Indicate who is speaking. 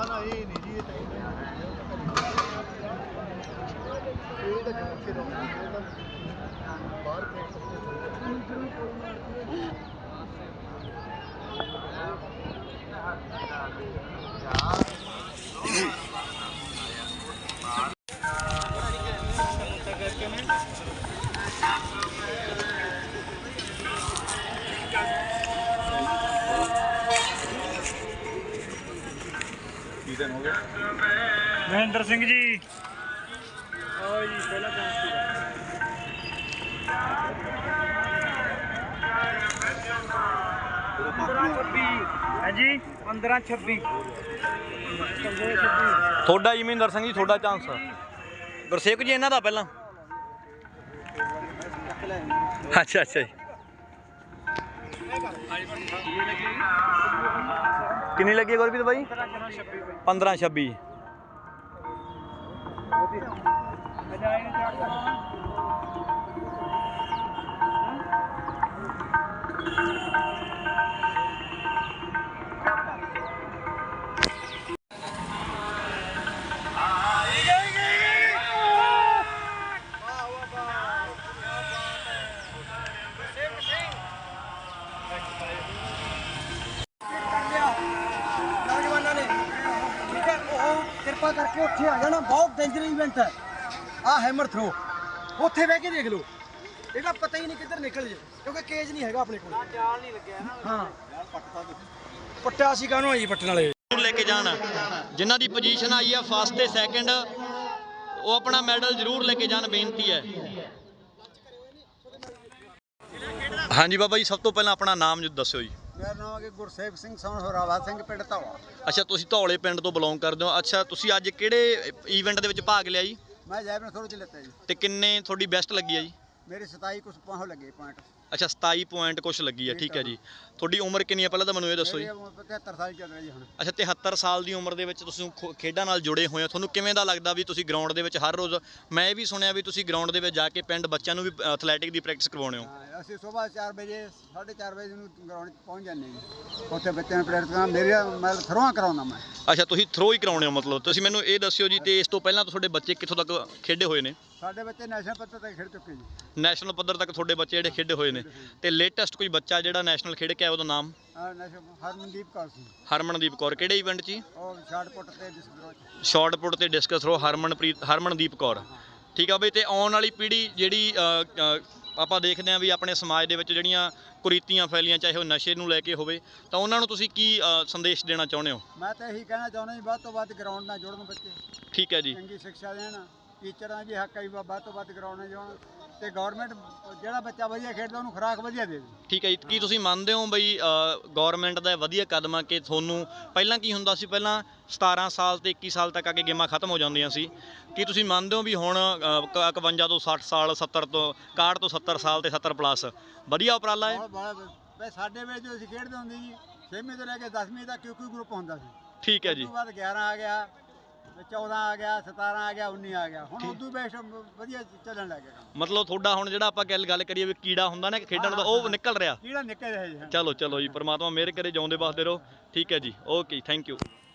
Speaker 1: ਨਾ ਇਹ ਨਹੀਂ ਜੀ ਇਹ ਤਾਂ ਬਾਹਰ हो गया
Speaker 2: महेंद्र सिंह जी आओ जी पहला चांस है जी 15-26
Speaker 3: ਤੁਹਾਡਾ ਜੀ ਮਹਿੰਦਰ ਸਿੰਘ ਜੀ ਤੁਹਾਡਾ ਚਾਂਸ ਗੁਰਸੇਵਕ ਜੀ ਇਹਨਾਂ ਦਾ ਪਹਿਲਾਂ ਅੱਛਾ ਅੱਛਾ ਜੀ ਕਿੰਨੀ ਲੱਗੀ ਹੈ ਗੁਰਪ੍ਰੀਤ ਬਾਈ 15-26
Speaker 4: ਕਿਰਪਾ ਕਰਕੇ ਉੱਥੇ ਆ ਜਾਣਾ ਬਹੁਤ ਡੇਂਜਰ ਇਵੈਂਟ ਹੈ ਆ ਹੈਮਰ ਥਰੋ ਉੱਥੇ ਬਹਿ ਕੇ ਦੇਖ ਲਓ ਇਹਦਾ ਪਤਾ ਹੀ ਨਹੀਂ ਕਿੱਧਰ ਨਿਕਲ ਜੇ ਕਿਉਂਕਿ ਕੇਜ ਨਹੀਂ ਹੈਗਾ ਆਪਣੇ ਕੋਲ ਚਾਲ ਨਹੀਂ ਲੱਗਿਆ ਨਾ ਹਾਂ ਪੱਟਾ ਸੀ ਕਾਹਨੂੰ ਆਈ ਪੱਟਣ ਵਾਲੇ
Speaker 3: ਲੈ ਕੇ ਜਾਣ ਜਿਨ੍ਹਾਂ ਦੀ ਪੋਜੀਸ਼ਨ ਆਈ ਆ ਫਸਟ ਤੇ ਸੈਕਿੰਡ ਉਹ ਆਪਣਾ ਮੈਡਲ ਜ਼ਰੂਰ ਲੈ ਕੇ ਜਾਣ ਬੇਨਤੀ ਹੈ ਹਾਂਜੀ ਬਾਬਾ ਜੀ ਸਭ ਤੋਂ ਪਹਿਲਾਂ ਆਪਣਾ ਨਾਮ ਦੱਸਿਓ ਜੀ
Speaker 4: ਮੇਰਾ ਨਾਮ ਹੈ ਗੁਰਸੇਵਕ ਸਿੰਘ ਸੋਨ ਹੋਰਾਵਾ ਸਿੰਘ ਪਿੰਡ ਧੌਲਾ
Speaker 3: ਅੱਛਾ ਤੁਸੀਂ ਧੌਲੇ ਪਿੰਡ ਤੋਂ ਬਿਲੋਂਗ ਕਰਦੇ ਹੋ ਅੱਛਾ ਤੁਸੀਂ ਅੱਜ ਕਿਹੜੇ ਈਵੈਂਟ ਦੇ ਵਿੱਚ ਭਾਗ ਲਿਆ ਜੀ
Speaker 4: ਮੈਂ ਜੈਵਨ ਥੋੜੇ ਚ ਲਿੱਤਾ ਜੀ
Speaker 3: ਤੇ ਕਿੰਨੇ ਤੁਹਾਡੀ ਬੈਸਟ ਲੱਗੀ ਆ ਜੀ
Speaker 4: ਮੇਰੇ 27 ਕੁਝ ਪਹੁੰਚ ਲੱਗੇ ਪੁਆਇੰਟ
Speaker 3: ਅੱਛਾ 27 ਪੁਆਇੰਟ ਕੁਛ ਲੱਗੀ ਆ ਠੀਕ ਹੈ ਜੀ ਤੁਹਾਡੀ ਉਮਰ ਕਿੰਨੀ ਆ ਪਹਿਲਾਂ ਤਾਂ ਮੈਨੂੰ ਇਹ ਦੱਸੋ ਜੀ
Speaker 4: 73 ਸਾਲ ਚੱਲ ਰਿਹਾ ਜੀ ਹੁਣ
Speaker 3: ਅੱਛਾ 73 ਸਾਲ ਦੀ ਉਮਰ ਦੇ ਵਿੱਚ ਤੁਸੀਂ ਖੇਡਾਂ ਨਾਲ ਜੁੜੇ ਹੋਏ ਹੋ ਤੁਹਾਨੂੰ ਕਿਵੇਂ ਦਾ ਲੱਗਦਾ ਵੀ ਤੁਸੀਂ ਗਰਾਊਂਡ ਦੇ ਵਿੱਚ ਹਰ ਰੋਜ਼ ਮੈਂ ਇਹ ਵੀ ਸੁਣਿਆ ਵੀ ਤੁਸੀਂ ਗਰਾਊਂਡ ਦੇ ਵਿੱਚ ਜਾ ਕੇ ਪਿੰਡ ਬੱਚਿਆਂ ਨੂੰ ਵੀ ਐਥਲੈਟਿਕ ਦੀ ਪ੍ਰੈਕਟਿਸ ਕਰਵਾਉਂਦੇ ਹੋ
Speaker 4: ਅਸੀਂ ਸਵੇਰ 4 ਵਜੇ 4:30 ਵਜੇ ਨੂੰ ਗਰਾਊਂਡ 'ਚ ਪਹੁੰਚ ਜਾਂਦੇ ਜੀ ਉੱਥੇ ਬੱਚਿਆਂ ਨੂੰ ਪ੍ਰੈਕਟਿਸ ਕਰਾਂ ਮੇਰਾ ਮੈਂ ਥਰੋਆਂ ਕਰਾਉਂਦਾ ਮੈਂ
Speaker 3: ਅੱਛਾ ਤੁਸੀਂ ਥਰੋ ਹੀ ਕਰਾਉਂਦੇ ਹੋ ਮਤਲਬ ਤੁਸੀਂ ਮੈਨੂੰ ਇਹ ਦੱਸਿਓ ਜੀ ਤੇ ਇਸ ਤੋਂ ਪਹਿਲਾਂ ਤੁਹਾਡੇ ਬੱਚੇ ਕਿੱਥੋਂ ਤੱਕ ਖੇਡੇ ਹੋਏ ਨੇ
Speaker 4: ਸਾਡੇ ਬੱਚੇ ਨੈਸ਼ਨਲ ਪੱਧਰ ਤੇ ਖੇਡ ਚੁੱਕੇ ਜੀ
Speaker 3: ਨੈਸ਼ਨਲ ਪੱਧਰ ਤੱਕ ਤੁਹਾਡੇ ਬੱਚੇ ਜਿਹੜੇ ਖੇਡੇ ਹੋਏ ਨੇ ਤੇ ਲੇਟੈਸਟ ਕੋਈ ਬੱਚਾ ਜਿਹੜਾ ਨੈਸ਼ਨਲ ਖੇਡ ਕੇ ਆਇਆ ਉਹਦਾ ਨਾਮ
Speaker 4: ਹਰਮਨਦੀਪ ਕੌਰ ਸੀ
Speaker 3: ਹਰਮਨਦੀਪ ਕੌਰ ਕਿਹੜੇ ਇਵੈਂਟ 'ਚ
Speaker 4: ਉਹ ਸ਼ਾਰਟ ਪੁੱਟ ਤੇ ਡਿਸਕਸ
Speaker 3: ਸ਼ਾਰਟ ਪੁੱਟ ਤੇ ਡਿਸਕਸ ਥਰੋ ਹਰਮਨਦੀਪ ਕੌਰ ਠੀਕ ਆ ਬਈ ਤੇ ਆਉਣ ਵਾਲੀ ਪੀੜ੍ਹੀ ਜਿਹੜੀ ਆਪਾਂ ਦੇਖਦੇ ਹਾਂ ਵੀ ਆਪਣੇ ਸਮਾਜ ਦੇ ਵਿੱਚ ਜਿਹੜੀਆਂ ਕੁਰੀਤੀਆਂ ਫੈਲੀਆਂ ਚਾਹੇ ਉਹ ਨਸ਼ੇ ਨੂੰ ਲੈ ਕੇ ਹੋਵੇ ਤਾਂ ਉਹਨਾਂ ਨੂੰ ਤੁਸੀਂ ਕੀ ਸੰਦੇਸ਼ ਦੇਣਾ ਚਾਹੁੰਦੇ ਹੋ
Speaker 4: ਮੈਂ ਤਾਂ ਇਹੀ ਕਹਿਣਾ ਚਾਹੁੰਦਾ ਜੀ ਵੱਧ ਤੋਂ ਵੱਧ ਗਰਾਊਂਡ ਨਾਲ ਜੁੜਨ ਬੱਚੇ
Speaker 3: ਠੀਕ ਹੈ ਜੀ
Speaker 4: ਚੰਗੀ ਸਿੱਖਿਆ ਦੇਣ ਟੀਚਰਾਂ ਵੀ ਹੱਕ ਹੈ ਵੀ ਵੱਧ ਤੋਂ ਵੱਧ ਗਰਾਊਂਡ ਨਾਲ ਜੁੜਨ ਤੇ ਗਵਰਨਮੈਂਟ ਜਿਹੜਾ ਬੱਚਾ ਵਧੀਆ ਖੇਡਦਾ ਉਹਨੂੰ ਖੁਰਾਕ ਵਧੀਆ ਦੇ ਦੇ
Speaker 3: ਠੀਕ ਹੈ ਜੀ ਕੀ ਤੁਸੀਂ ਮੰਨਦੇ ਹੋ ਬਈ ਗਵਰਨਮੈਂਟ ਦਾ ਵਧੀਆ ਕਦਮ ਆ ਕਿ ਤੁਹਾਨੂੰ ਪਹਿਲਾਂ ਕੀ ਹੁੰਦਾ ਸੀ ਪਹਿਲਾਂ 17 ਸਾਲ ਤੇ 21 ਸਾਲ ਤੱਕ ਆ ਕੇ ਗੇਮਾਂ ਖਤਮ ਹੋ ਜਾਂਦੀਆਂ ਸੀ ਕੀ ਤੁਸੀਂ ਮੰਨਦੇ ਹੋ ਵੀ ਹੁਣ 51 ਤੋਂ 60 ਸਾਲ 70 ਤੋਂ 61 ਤੋਂ 70 ਸਾਲ ਤੇ 70 ਪਲੱਸ ਵਧੀਆ ਉਪਰਾਲਾ ਹੈ
Speaker 4: ਸਾਡੇ ਵੇਲੇ ਜੋ ਅਸੀਂ ਖੇਡਦੇ ਹੁੰਦੇ ਜੀ 6ਵੀਂ ਤੋਂ ਲੈ ਕੇ 10ਵੀਂ ਤੱਕ ਕਿਉਂ ਗਰੁੱਪ ਹੁੰਦਾ ਸੀ
Speaker 3: ਠੀਕ ਹੈ ਜੀ
Speaker 4: ਉਸ ਤੋਂ ਬਾਅਦ 11 ਆ ਗਿਆ 14 ਆ ਗਿਆ 17 ਆ ਗਿਆ 19 ਆ ਗਿਆ ਹੁਣ ਉਦੋਂ ਬੈਸਟ ਵਧੀਆ ਚੱਲਣ ਲੱਗ ਗਿਆ
Speaker 3: ਮਤਲਬ ਤੁਹਾਡਾ ਹੁਣ ਜਿਹੜਾ ਆਪਾਂ ਗੱਲ ਕਰੀਏ ਵੀ ਕੀੜਾ ਹੁੰਦਾ ਨਾ ਖੇਡਣ ਦਾ ਉਹ ਨਿਕਲ ਰਿਹਾ
Speaker 4: ਕੀੜਾ ਨਿਕਲ ਰਿਹਾ ਜੀ
Speaker 3: ਚਲੋ ਚਲੋ ਜੀ ਪਰਮਾਤਮਾ ਮਿਹਰ ਕਰੇ ਜਿਉਂਦੇ ਵਸਦੇ ਰਹੋ ਠੀਕ ਹੈ ਜੀ ਓਕੇ ਥੈਂਕ ਯੂ